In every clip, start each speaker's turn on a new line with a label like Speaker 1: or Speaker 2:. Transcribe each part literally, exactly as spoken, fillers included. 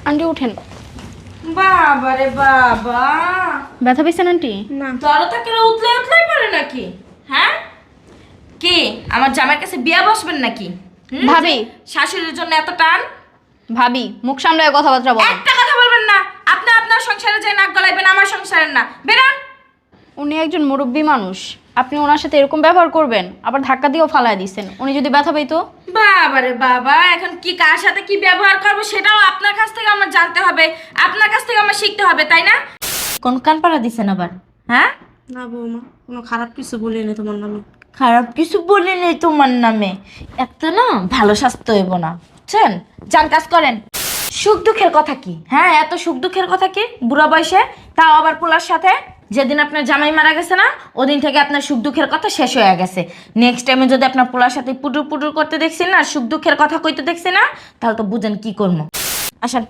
Speaker 1: Aunty উঠেন।
Speaker 2: বাবা রে বাবা,
Speaker 1: ব্যথা পেয়েছেন আন্টি?
Speaker 2: না জড়তা কেন উতলে উতলাই পড়ে নাকি? হ্যাঁ কি আমার জামাইয়ের কাছে বিয়া বসবেন নাকি? হুম?
Speaker 1: ভাবি।
Speaker 2: শাশুড়ির জন্য এত টান?
Speaker 1: ভাবি মুখ সামলায় কথাবার্তা বলেন।
Speaker 2: একটা কথা বলবেন না। আপনি আপনার সংসারে যে নাক গলাইবেন, আমার সংসারের না। বেরান।
Speaker 1: উনি একজন মুরব্বী মানুষ, আপনি ওনার সাথে এরকম ব্যবহার করবেন? আবার ধাক্কা দিয়েও ফালায় দিচ্ছেন। উনি যদি ব্যথা পাইতো?
Speaker 2: বাবা রে বাবা, এখন কি কার সাথে কি ব্যবহার করবো সেটাও আপনার কাছ থেকে আমার জানতে হবে, আপনার কাছ থেকে আমার শিখতে হবে, তাই না? কোন কান পাড়া দিছেন আবার? হ্যাঁ
Speaker 3: না বৌমা, কোনো খারাপ কিছু বলিনি তোমার নামে।
Speaker 2: খারাপ কিছু বলি নেই তোমার নামে। এত না ভালো স্বাস্থ্য হইব না, বুঝছেন? যান কাজ করেন। সুখ দুঃখের কথা কি? হ্যাঁ এত সুখ দুঃখের কথা কি বুড়া বয়সে, তাও আবার পোলার সাথে? যেদিন আপনার জামাই মারা গেছে না, ওদিন থেকে আপনার সুখ দুঃখের কথা শেষ হয়ে গেছে। নেক্সট টাইমে যদি আপনার পোলার সাথে পুটুর পুটুর করতে দেখছি না, সুখ দুঃখের কথা কইতে দেখছি না, তাহলে তো বুঝেন কি করবো। আসেন।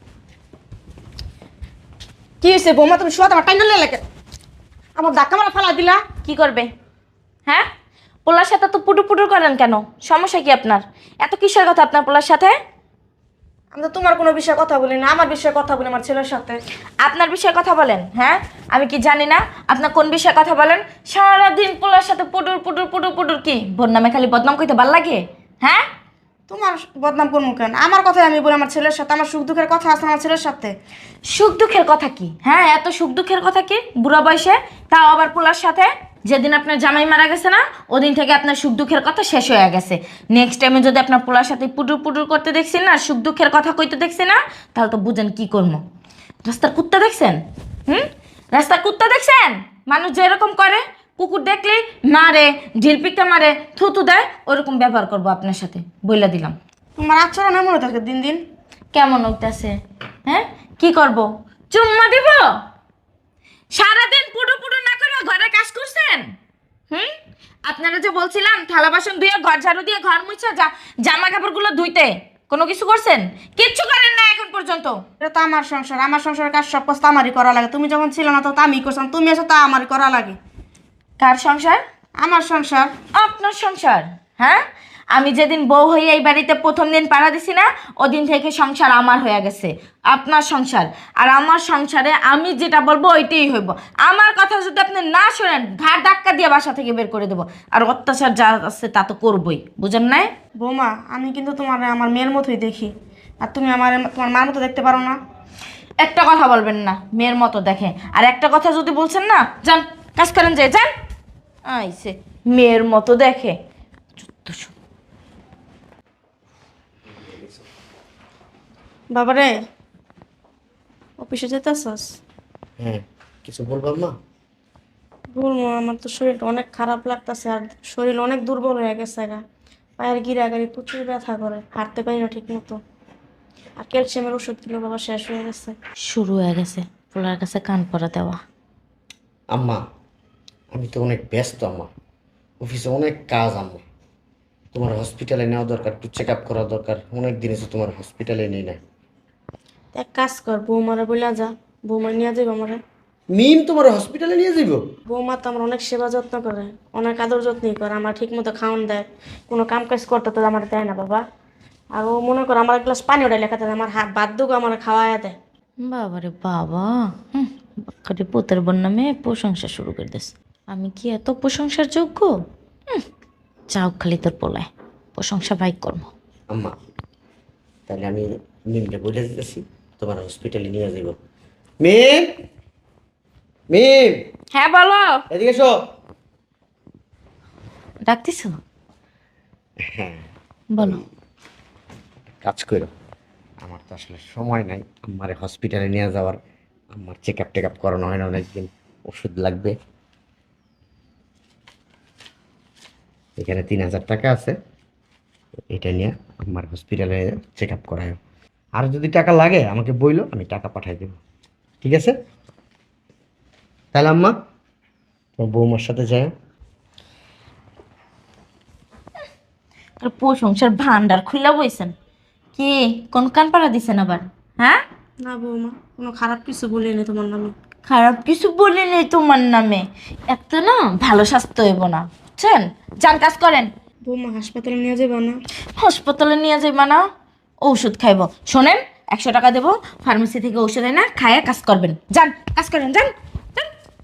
Speaker 3: কি হয়েছে বৌমা, তুমি শোয়া তোমার টাইম লাগে আমার ধাক্কা মারা ফালা দিলা।
Speaker 2: কি করবে? হ্যাঁ পোলার সাথে তো পুটুর পুটুর করেন কেন? সমস্যা কি আপনার? এত কিসের কথা আপনার পোলার সাথে?
Speaker 3: আমি তো তোমার কোনো বিষয়ে কথা বলি না, আমার বিষয়ে কথা বলি আমার ছেলের সাথে।
Speaker 2: আপনার বিষয়ে কথা বলেন? হ্যাঁ আমি কি জানি না আপনার কোন বিষয়ে কথা বলেন? সারাদিন পোলার সাথে পুটুর পুটুর পুটুর পুটুর কি বোন নামে খালি বদনাম কইতে ভাল লাগে? হ্যাঁ
Speaker 3: তোমার বদনাম করবো কেন? আমার কথাই আমি বলি আমার ছেলের সাথে, আমার সুখ দুঃখের কথা আছে আমার ছেলের সাথে।
Speaker 2: সুখ দুঃখের কথা কি? হ্যাঁ এত সুখ দুঃখের কথা কি বুড়া বয়সে, তাও আবার পোলার সাথে? যেদিন আপনার জামাই মারা গেছে না, ওদিন থেকে আপনার সুখ দুঃখের কথা শেষ হয়ে গেছে। নেক্সট টাইমে যদি আপনার পোলার সাথে পুটুর পুটুর করতে দেখছি না, সুখ দুঃখের কথা কইতে দেখছি না, তাহলে তো বুঝেন কি করবো। রাস্তার কুত্তা দেখছেন? হুম রাস্তার কুত্তা দেখছেন? মানুষ যেরকম করে, কুকুর দেখলে মারে, ঢিলপিকটা মারে, থুতু দেয়, ওরকম ব্যবহার করবো আপনার সাথে, বইলা দিলাম।
Speaker 3: তোমার আচরণ এমন হয়ে থাকে দিন দিন।
Speaker 2: কেমন উঠতেছে? হ্যাঁ কি করব? চুম্মা দিব? সারাদিন পুটু পুটু না করে ঘরে কাজ করছেন? হুম আপনারা যে বলছিলাম থালা বাসন ধুয়ে ঘর ঝাড়ু দিয়ে ঘর মুছা যা জামা কাপড়গুলো ধুইতে, কোনো কিছু করছেন? কিচ্ছু করেন না এখন পর্যন্ত।
Speaker 3: এটা তো আমার সংসার, আমার সংসারের কাজ সব কাজ তো আমারই করা লাগে। তুমি যখন ছিল না তো আমি করছিলাম, তুমি এসে তা আমারই করা লাগে।
Speaker 2: কার সংসার?
Speaker 3: আমার সংসার।
Speaker 2: আপনার সংসার? হ্যাঁ আমি যেদিন বউ হয়ে এই বাড়িতে প্রথম দিন পাড়া দিছি না, ওদিন থেকে সংসার আমার হয়ে গেছে। আপনার সংসার আর আমার সংসারে আমি যেটা বলবো ওইটাই হইব। আমার কথা যদি আপনি না শোনেন, ঘাড় ধাক্কা দিয়ে বাসা থেকে বের করে দেবো। আর অত্যাচার যা আছে তা তো করবই, বুঝেন নাই?
Speaker 3: বৌমা আমি কিন্তু তোমার আমার মেয়ের মতোই দেখি, আর তুমি আমার তোমার মার মতো দেখতে পারো না।
Speaker 2: একটা কথা বলবেন না মেয়ের মতো দেখে, আর একটা কথা যদি বলছেন না, যান কাজ করেন, যে যান। আইসে মেয়ের মতো দেখে।
Speaker 3: বাবারে অফিসে যেতেছস?
Speaker 4: হ্যাঁ কিছু বলবাম না?
Speaker 3: বলবো, আমার তো শরীরটা অনেক খারাপ লাগতেছে, আর শরীর অনেক দুর্বল হয়ে গেছে গা। পায়ের গিরাগাড়ি প্রচুর ব্যথা করে, হাঁটতে পারি না ঠিক মতো। আর ক্যালসিয়ামের ওষুধ গুলো বাবা শেষ হয়ে গেছে।
Speaker 2: শুরু হয়ে গেছে পোলার কাছে কান পরা দেওয়া।
Speaker 4: আম্মা আমি তো অনেক ব্যস্ত আম্মা, অফিসে অনেক কাজ আম্মা। তোমার হসপিটালে নেওয়া দরকার, একটু চেক আপ করা দরকার। অনেক দিন এসে তোমার হসপিটালে নেই না।
Speaker 3: এক কাজ কর, বৌমারে বইলা যা, বৌমা নিয়ে যাবো আমারে।
Speaker 4: মিম তোমার হসপিটালে নিয়ে যাইব?
Speaker 3: বৌমা তো আমার অনেক সেবা যত্ন করে, অনেক আদর যত্নই করে, আমার ঠিক মতো খাওয়ান দেয়, কোনো কাম কাজ করতে তো আমার দেয় না বাবা। আর ও মনে করো আমার এক গ্লাস পানি ওটাই লেখাতে দেয়, আমার হাত বাদ দুগো আমার খাওয়ায় দেয়।
Speaker 2: বাবারে বাবা, হুম বাক্কারে পোতের বোন নামে প্রশংসা শুরু করে দিস। আমি কি এত প্রশংসার যোগ্য? হুম যাও খালি তোর পোলায় প্রশংসা ভাই কর্ম।
Speaker 4: আম্মা তাহলে আমি মিমকে বলে দিতেছি তোমার হসপিটালে নিয়ে যাইব। মিম, মিম
Speaker 2: হ্যাঁ বলো।
Speaker 4: এদিকে এসো।
Speaker 2: ডাকতিস?
Speaker 4: হ্যাঁ
Speaker 2: বলো।
Speaker 4: কাজ করো, আমার তো আসলে সময় নাই আমার হসপিটালে নিয়ে যাওয়ার। আমার চেক আপ টেক আপ করানো হয় না অনেকদিন, ওষুধ লাগবে। এখানে তিন হাজার টাকা আছে, এটা নিয়ে আমার হসপিটালে চেক আপ করায়। আর যদি টাকা লাগে আমাকে বইলো, আমি টাকা পাঠাই দেবো, ঠিক আছে? তাহলে আম্মা তোমার বৌমার সাথে যায়।
Speaker 2: আর প্রশংসার ভান্ডার খুলে বইছেন কি? কোন কান পাড়া দিছেন আবার? হ্যাঁ
Speaker 3: না বৌমা, কোনো খারাপ কিছু বলিনি তোমার নামে।
Speaker 2: খারাপ কিছু বলি নেই তোমার নামে। এত না ভালো স্বাস্থ্য হইব না, বুঝছেন? যান কাজ করেন।
Speaker 3: বৌমা হাসপাতালে নিয়ে যাবে না?
Speaker 2: হাসপাতালে নিয়ে যাইবা না? ঔষধ খাইব। শোনেন একশো টাকা দেবো, ফার্মেসি থেকে ওষুধ এনে খাইয়ে কাজ করবেন। যান, কাজ করেন, যান যান।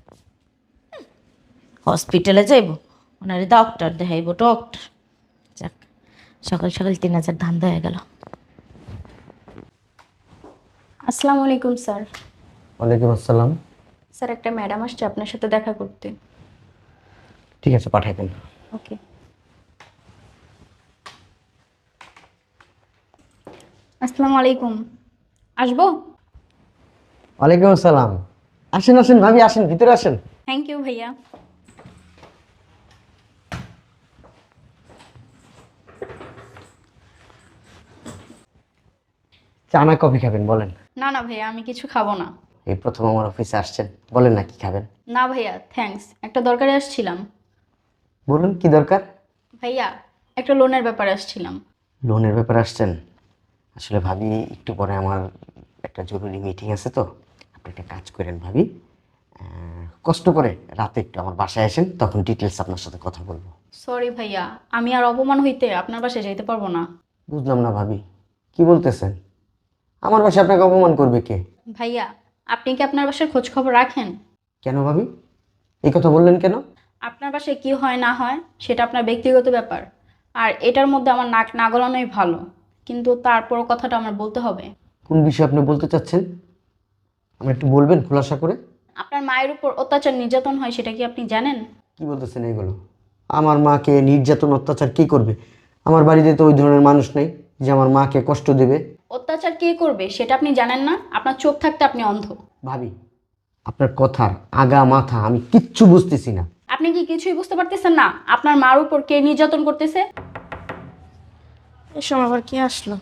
Speaker 2: হসপিটালে যাইব, ওনারে ডক্টর দেখাইব, ডক্টর। যাক, সকাল সকাল তিন হাজার ধান্দা হয়ে গেল।
Speaker 1: আসসালামু আলাইকুম স্যার।
Speaker 4: ওয়ালাইকুম আসসালাম।
Speaker 1: স্যার একটা ম্যাডাম আসছে আপনার সাথে দেখা করতে।
Speaker 4: ঠিক আছে, পাঠাই দেন।
Speaker 1: ওকে। আসসালামু আলাইকুম, আসবো?
Speaker 4: ওয়ালাইকুম আসসালাম। আসেন আসেন ভাবি, আসেন, ভিতরে আসেন।
Speaker 1: থ্যাংক ইউ ভাইয়া।
Speaker 4: চা না কফি খাবেন বলেন?
Speaker 1: না না ভাইয়া, আমি কিছু খাবো না।
Speaker 4: এই প্রথম আমার অফিসে আসছেন, বলেন না কি খাবেন।
Speaker 1: না ভাইয়া থ্যাঙ্কস, একটা দরকারে আসছিলাম।
Speaker 4: বলুন কি দরকার।
Speaker 1: ভাইয়া একটা লোনের ব্যাপারে আসছিলাম।
Speaker 4: লোনের ব্যাপারে আসছেন? আসলে ভাবি একটু পরে আমার একটা জরুরি মিটিং আছে, তো আপনি একটা কাজ করেন ভাবি, আহ, কষ্ট করে রাতে একটু আমার বাসায় আসেন, তখন ডিটেলস আপনার সাথে কথা বলবো।
Speaker 1: সরি ভাইয়া, আমি আর অপমান হইতে আপনার বাসায় যাইতে পারবো না।
Speaker 4: বুঝলাম না ভাবি, কি বলতেছেন? আমার বাসায় আপনাকে অপমান করবে কে?
Speaker 1: ভাইয়া আপনি কি আপনার বাসার খোঁজ খবর রাখেন?
Speaker 4: কেন ভাবি এই কথা বললেন কেন?
Speaker 1: আপনার বাসায় কি হয় না হয় সেটা আপনার ব্যক্তিগত ব্যাপার, আর এটার মধ্যে আমার নাক না গলানোই ভালো, কিন্তু তারপরও কথাটা আমার বলতে হবে।
Speaker 4: কোন বিষয়ে আপনি বলতে চাচ্ছেন, আমার একটু বলবেন খোলাসা করে?
Speaker 1: আপনার মায়ের উপর অত্যাচার নির্যাতন হয়, সেটা কি আপনি জানেন?
Speaker 4: কি বলতেছেন এগুলো? আমার মাকে নির্যাতন অত্যাচার কি করবে? আমার বাড়িতে তো ওই ধরনের মানুষ নেই যে আমার মাকে কষ্ট দেবে।
Speaker 1: অত্যাচার কে করবে সেটা আপনি জানেন না? আপনার চোখ থাকতে আপনি অন্ধ।
Speaker 4: ভাবি আপনার কথার আগা মাথা আমি কিচ্ছু বুঝতেছি না।
Speaker 1: আপনি কি কিছুই বুঝতে পারতেছেন না আপনার মার উপর কে নির্যাতন করতেছে?
Speaker 3: এই সময় আবার কি আসলো?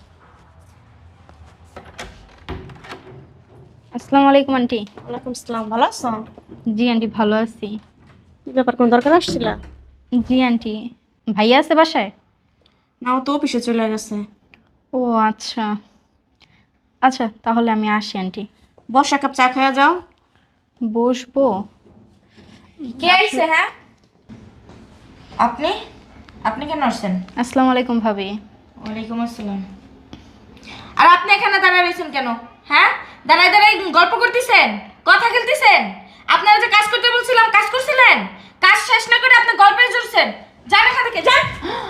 Speaker 1: আসসালামু আলাইকুম আন্টি।
Speaker 3: ওয়ালাইকুম আসসালাম, ভালো আছো?
Speaker 1: জি আন্টি ভালো আছি।
Speaker 3: কি ব্যাপার, কোন দরকার আসছিল?
Speaker 1: জি আন্টি, ভাইয়া আছে বাসায়?
Speaker 3: না, ও তো অফিসে চলে গেছে।
Speaker 1: ও আচ্ছা আচ্ছা, তাহলে আমি আসি আন্টি।
Speaker 3: বস, এক কাপ চা খাওয়া যাও।
Speaker 1: বসবো?
Speaker 2: কে আইছে? হ্যাঁ, আপনি আপনি কেন আসছেন?
Speaker 1: আসসালামু আলাইকুম ভাবি।
Speaker 2: ওয়ালাইকুম আসসালাম। আর আপনি এখানে দাঁড়ায় রয়েছেন কেন? হ্যাঁ, দাঁড়ায় দাঁড়ায় গল্প করতেছেন, কথা খেলতেছেন। আপনারা যে কাজ করতে বলছিলাম কাজ করছিলেন, কাজ শেষ না করে আপনি গল্পে জড়ছেন। যান এখান থেকে, যান।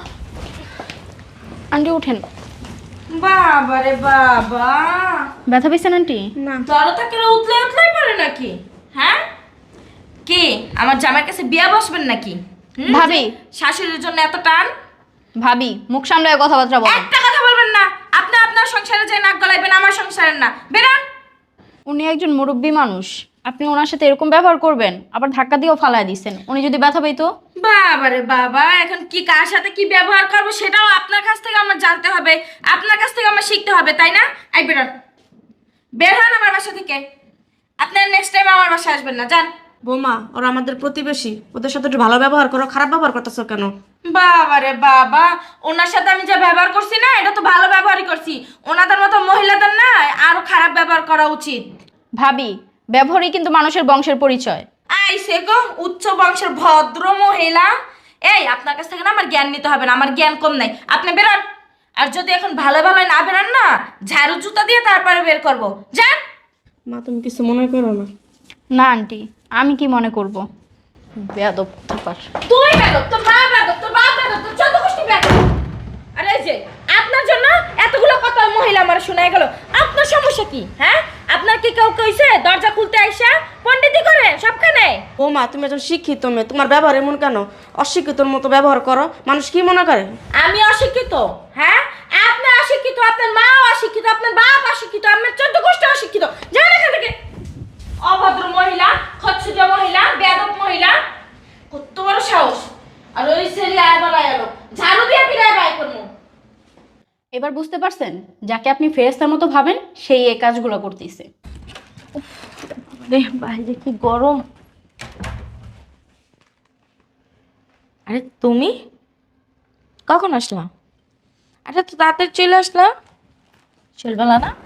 Speaker 1: আন্টি উঠেন।
Speaker 2: বাবা রে বাবা,
Speaker 1: ব্যথা পেয়েছেন আন্টি?
Speaker 3: না,
Speaker 2: জড়ো থাকলে উতলে উতলাই পারে নাকি? হ্যাঁ, কি আমার জামাইয়ের কাছে বিয়া বসবেন নাকি? হুম,
Speaker 1: ভাবি।
Speaker 2: যে শাশুড়ির জন্য এত টান।
Speaker 1: ভাবি মুখ সামলায় কথাবার্তা বলেন।
Speaker 2: একটা কথা বলবেন না। আপনি আপনার সংসারে যে নাক গলাইবেন, আমার সংসারের না। বেরান।
Speaker 1: উনি একজন মুরব্বী মানুষ, আপনি ওনার সাথে এরকম ব্যবহার করবেন? আবার ধাক্কা দিয়েও ফালায় দিচ্ছেন, উনি যদি ব্যথা পাইতো?
Speaker 2: বাবা রে বাবা, এখন কি কার সাথে কি ব্যবহার করবো সেটাও আপনার কাছ থেকে আমার জানতে হবে, আপনার কাছ থেকে আমার শিখতে হবে, তাই না? আই বেরোন, বের হন আমার বাসা থেকে। আপনার নেক্সট টাইম আমার বাসায় আসবেন না, যান।
Speaker 3: বৌমা, ওরা আমাদের প্রতিবেশী, ওদের সাথে একটু ভালো ব্যবহার করো, খারাপ ব্যবহার করতেছো কেন?
Speaker 2: বাবা রে বাবা, ওনার সাথে আমি যে ব্যবহার করছি না, এটা তো ভালো ব্যবহারই করছি। ওনাদের মতো মহিলাদের না আরো খারাপ ব্যবহার করা উচিত।
Speaker 1: ভাবি ব্যবহারই কিন্তু মানুষের বংশের পরিচয়।
Speaker 2: আইসে গো উচ্চ বংশের ভদ্র মহিলা। এই আপনার কাছ থেকে না আমার জ্ঞান নিতে হবে না, আমার জ্ঞান কম নাই। আপনি বেরোন। আর যদি এখন ভালো ভালো না বেরোন না, ঝাড়ু জুতা দিয়ে তারপরে বের করবো। যান।
Speaker 3: মা, তুমি কিছু মনে করো না।
Speaker 1: না আন্টি, আমি কি মনে করব? বেয়াদব থাপার।
Speaker 2: তুই বেরো, তোর মা বেরো, তোর বাপ বেরো, তোর চোদ্দ গোষ্ঠী বেরো। আরে এই যে আপনার জন্য এতগুলো কথা মহিলা আমার শোনায় গেল। আপনার সমস্যা কি? হ্যাঁ, আপনার কি কেউ কইছে দরজা খুলতে আইসা পণ্ডিতি করে সবখানে?
Speaker 3: বৌমা, তুমি একজন শিক্ষিত মেয়ে, তোমার ব্যবহার এমন কেন? অশিক্ষিতর মতো ব্যবহার করো, মানুষ কি মনে করে?
Speaker 2: আমি অশিক্ষিত? হ্যাঁ, আপনি অশিক্ষিত, আপনার মা অশিক্ষিত, আপনার বাপ অশিক্ষিত, আপনার চোদ্দ গোষ্ঠী অশিক্ষিত। যান এখান থেকে। অভদ্র মহিলা, খচ্ছুজা মহিলা, বেয়াদব মহিলা, কত বড় সাহস! আর ওই ছেলে আয় বলাই এলো, ঝাড়ু দিয়ে পিড়ায় বাই করবো।
Speaker 1: এবার বুঝতে পারছেন যাকে আপনি ফেরেশতার মতো ভাবেন সেই এই কাজগুলো করতেছে।
Speaker 2: রে বাইরে কি গরম! আরে তুমি কখন আসলা? আরে তো তাড়াতাড়ি চলে আসলা। চলবেলা না?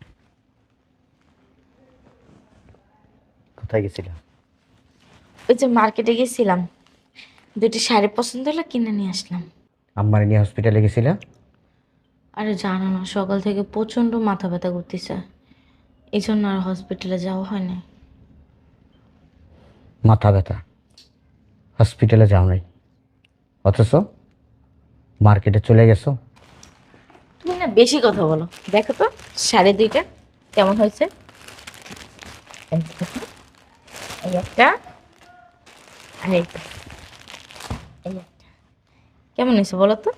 Speaker 4: কোথায় গেছিলাম?
Speaker 2: ওই যে মার্কেটে গেছিলাম, দুটি শাড়ি পছন্দ হলো, কিনে নিয়ে আসলাম।
Speaker 4: আম্মারে নিয়ে হসপিটালে গেছিলাম।
Speaker 2: আরে জানো না, সকাল থেকে প্রচণ্ড মাথা ব্যথা করতেছে, এই জন্য আর হসপিটালে যাওয়া হয় না।
Speaker 4: মাথা ব্যথা, হসপিটালে যাও নাই, অথচ মার্কেটে চলে গেছো।
Speaker 2: তুমি না বেশি কথা বলো। দেখো তো শাড়ি দুইটা কেমন হয়েছে। এই দেখো, এই একটা আর এই একটা। এই একটা কেমন হয়েছে বলো তো?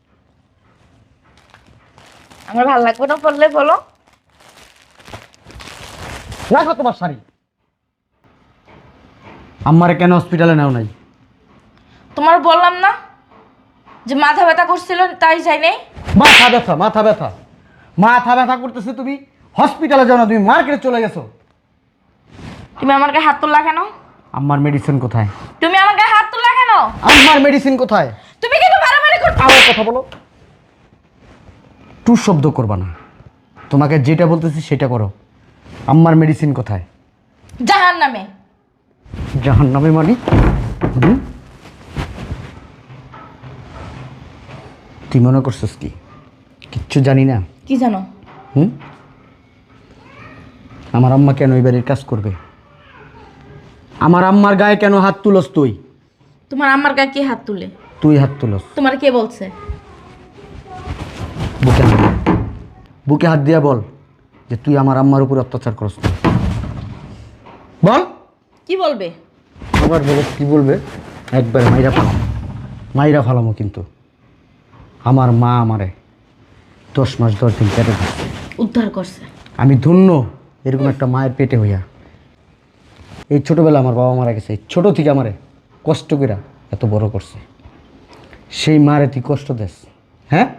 Speaker 2: আমার ভালো লাগবে না বললে বলো।
Speaker 4: রাখো তোমার শাড়ি। আম্মারে কেন হসপিটালে নেও নাই?
Speaker 2: তোমার বললাম না যে মাথা ব্যথা করছিল, তাই যাই নাই।
Speaker 4: মাথা ব্যথা, মাথা ব্যথা, মাথা ব্যথা করতেছে, তুমি হসপিটালে যাও না, তুমি মার্কেটে চলে গেছো।
Speaker 2: তুমি আমার গায়ে হাত তুললা কেন?
Speaker 4: আম্মার মেডিসিন কোথায়?
Speaker 2: তুমি আমার গায়ে হাত তুললা কেন?
Speaker 4: আম্মার মেডিসিন কোথায়?
Speaker 2: তুমি কিন্তু বাড়াবাড়ি করছো।
Speaker 4: আবার কথা বলো, টু শব্দ করবা না। তোমাকে যেটা বলতেছি সেটা করো। আম্মার মেডিসিন কোথায়?
Speaker 2: জাহান নামে।
Speaker 4: জাহান নামে মানি? হুম? তুই মনে করছিস কি কিচ্ছু জানি না?
Speaker 2: কি জানো?
Speaker 4: হুম? আমার আম্মা কেন এই বাড়ির কাজ করবে? আমার আম্মার গায়ে কেন হাত তুলস তুই?
Speaker 2: তোমার আমার গায়ে কে হাত তুলে?
Speaker 4: তুই হাত তুলস।
Speaker 2: তোমার কে বলছে?
Speaker 4: বুকে হাত দে। বুকে হাত দিয়া বল যে তুই আমার আম্মার উপর অত্যাচার করস। বল।
Speaker 2: কি বলবে?
Speaker 4: আবার বলে কি বলবে? একবার মাইরা ফালাম, মাইরা ফালামো। কিন্তু আমার মা আমারে দশ মাস দশ দিন পেটে ধরছে।
Speaker 2: উদ্ধার করছে।
Speaker 4: আমি ধন্য এরকম একটা মায়ের পেটে হইয়া। এই ছোটোবেলা আমার বাবা মারা গেছে, এই ছোটো থেকে আমারে কষ্ট করে এত বড় করছে। সেই মারে তুই কষ্ট দেস? হ্যাঁ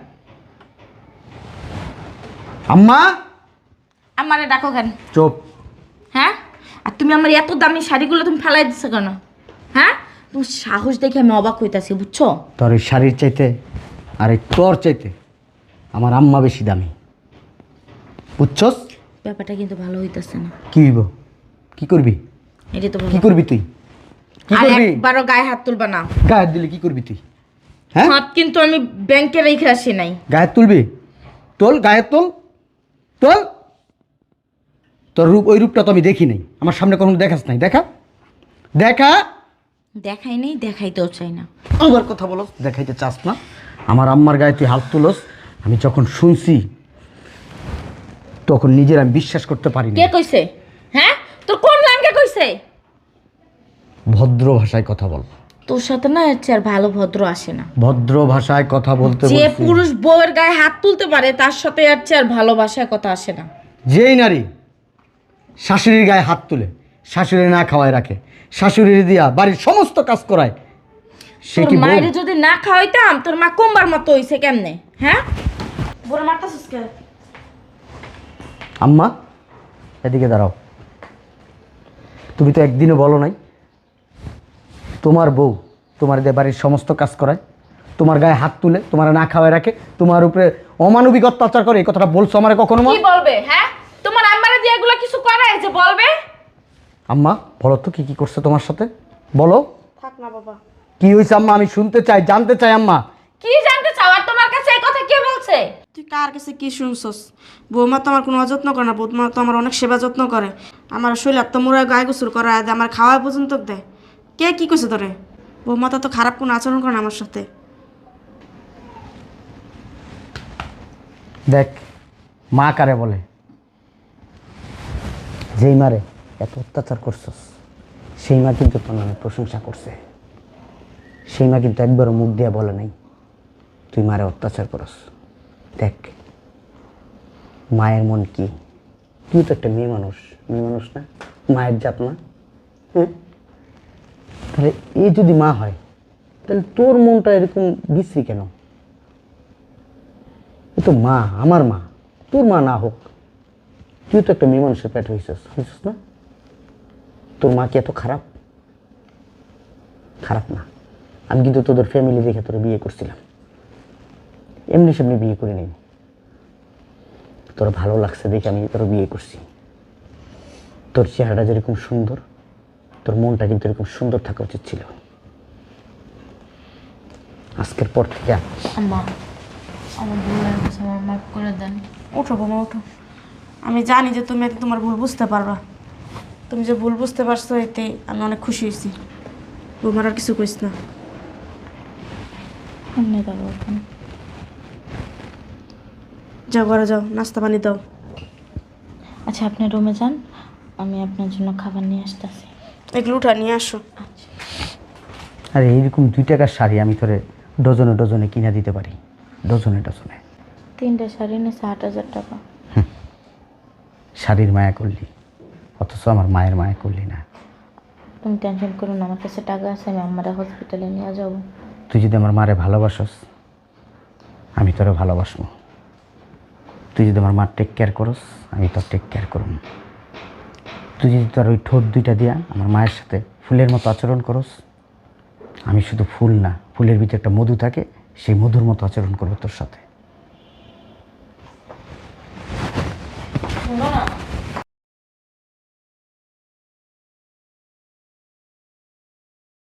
Speaker 4: আম্মা?
Speaker 2: আমারে ডাকো কেন?
Speaker 4: চুপ।
Speaker 2: হ্যাঁ, আর তুমি আমার এত দামি শাড়িগুলো তুমি ফেলাই দিচ্ছ কেন? হ্যাঁ, তোমার সাহস দেখে আমি অবাক হইতাছি, বুঝছো?
Speaker 4: তোর এই শাড়ির চাইতে আর এই তোর চাইতে আমার আম্মা বেশি দামি, বুঝছস?
Speaker 2: ব্যাপারটা কিন্তু ভালো হইতাছে না।
Speaker 4: কি হইব? কি করবি?
Speaker 2: এটা তো ভালো।
Speaker 4: কি করবি তুই? কি
Speaker 2: আর
Speaker 4: করবি?
Speaker 2: একবারও গায়ে হাত তুলবা না।
Speaker 4: গায়ে দিলে কি করবি তুই? হ্যাঁ,
Speaker 2: হাত কিন্তু আমি ব্যাংকে রেখে আসি নাই।
Speaker 4: গায়ে তুলবি? তোল, গায়ে তোল, তোল। তোর রূপ, ওই রূপটা তো আমি দেখি নাই, আমার সামনে কখনো দেখাস নাই। দেখা, দেখা।
Speaker 2: দেখাই নেই, দেখাইতেও চাই না।
Speaker 4: আবার কথা বলো, দেখাইতে চাস না? আমার আম্মার গায়ে তুই হাত তুলস, আমি যখন শুনছি তখন নিজের আমি বিশ্বাস করতে পারি না।
Speaker 2: কে কইছে? হ্যাঁ, তোর কোন লাঙ্গে কইছে?
Speaker 4: ভদ্র ভাষায় কথা বল।
Speaker 2: তোর সাথে না এর চেয়ে আর ভালো ভদ্র আসে না।
Speaker 4: ভদ্র ভাষায় কথা বলতে
Speaker 2: যে
Speaker 4: বলছি।
Speaker 2: পুরুষ বউয়ের গায়ে হাত তুলতে পারে তার সাথে এর চেয়ে আর ভালো ভাষায় কথা আসে না।
Speaker 4: যেই নারী শাশুড়ির গায়ে হাত তুলে, শাশুড়ি না খাওয়ায় রাখে, শাশুড়ির দিয়া বাড়ির সমস্ত কাজ করায়, সে
Speaker 2: তোর
Speaker 4: কি বউ?
Speaker 2: মায়ের যদি না খাওয়াইতাম তোর মা কোমবার মতো হইছে কেমনে? হ্যাঁ, বড় মারতাছিস কে?
Speaker 4: আম্মা এদিকে দাঁড়াও। তুমি তো একদিনও বলো নাই তোমার বউ তোমার দিয়ে বাড়ির সমস্ত কাজ করায়, তোমার গায়ে হাত তুলে, তোমার না খাওয়ায় রাখে, তোমার উপরে অমানবিক অত্যাচার করে, এই কথাটা বলছো আমার কখনো? মা
Speaker 2: কি বলবে? হ্যাঁ, তোমার আম্মারে দিয়ে এগুলো কিছু করায় যে বলবে?
Speaker 4: আম্মা বলো তো কি কি করছে তোমার সাথে, বলো।
Speaker 3: থাক না বাবা।
Speaker 4: কি হয়েছে আম্মা? আমি শুনতে চাই, জানতে চাই আম্মা।
Speaker 2: কি জানতে চাও? আর তোমার কাছে এই কথা কে বলছে?
Speaker 3: তুই কার কাছে কি শুনছস? বৌমা তো আমার কোনো অযত্ন করে না, বৌমা তো আমার অনেক সেবা যত্ন করে। আমার শৈলার তো মোড়া গায়ে গোসল করা দেয়, আমার খাওয়া পর্যন্ত দেয়। কে কি কইছে তোরে? বৌমা তো তো খারাপ কোনো আচরণ করে না আমার সাথে।
Speaker 4: দেখ, মা কারে বলে? যেই মারে এত অত্যাচার করছস সেই মা কিন্তু তোর নামে প্রশংসা করছে। সেই মা কিন্তু একবারও মুখ দিয়ে বলে নাই তুই মারে অত্যাচার করস। দেখ মায়ের মন কি, তুই তো একটা মেয়ে মানুষ, মেয়ে মানুষ না, মায়ের জাত না? হ্যাঁ, তাহলে এই যদি মা হয় তাহলে তোর মনটা এরকম বিশ্রী কেন? এ তো মা, আমার মা, তোর মা না হোক, তুই তো একটা মেয়ে মানুষের পেট হয়েছিস, হয়েছিস না? তোর মা কি এত খারাপ? খারাপ না। আমি কিন্তু তোদের ফ্যামিলি দেখে তোরা বিয়ে করছিলাম, এমনি সেমনি বিয়ে করি নাই। তোর ভালো লাগছে দেখে আমি তোর বিয়ে করছি। তোর চেহারাটা যেরকম সুন্দর, তোর মনটা কিন্তু এরকম সুন্দর থাকা উচিত ছিল। আজকের পর থেকে
Speaker 2: আম্মা আমার ভুল হয়ে গেছে, আমার মাফ করে দেন।
Speaker 3: ওঠো বোমা ওঠো। আমি জানি যে তুমি এতে তোমার ভুল বুঝতে পারবা। তুমি যে ভুল বুঝতে পারছো এতে আমি অনেক খুশি হয়েছি। বোমার আর কিছু কইস না।
Speaker 2: এমনি যাবো এখন।
Speaker 3: যাও ঘরে যাও, নাস্তা পানি দাও।
Speaker 2: আচ্ছা আপনি রুমে যান, আমি আপনার জন্য খাবার নিয়ে আসতেছি।
Speaker 3: এগুলো উঠা নিয়ে আসো।
Speaker 4: আরে এইরকম দুই টাকার শাড়ি আমি তোরে ডজনে ডজনে কিনে দিতে পারি, ডজনে ডজনে।
Speaker 2: তিনটে শাড়ি নিয়েছে আট হাজার টাকা।
Speaker 4: শাড়ির মায়া করলি, অথচ আমার মায়ের মায়া করলি না।
Speaker 2: তুমি টেনশন করো না, আমার কাছে টাকা আছে, আমি আমার হসপিটালে নিয়ে যাব।
Speaker 4: তুই যদি আমার মারে ভালোবাসস, আমি তোরে ভালোবাসবো। তুই যদি আমার মার টেক কেয়ার করস, আমি তোর টেক কেয়ার করব। তুই যদি তোর ওই ঠোঁট দুইটা দিয়া আমার মায়ের সাথে ফুলের মতো আচরণ করস, আমি শুধু ফুল না, ফুলের ভিতরে একটা মধু থাকে, সেই মধুর মতো আচরণ করবো তোর সাথে।
Speaker 2: শোনো না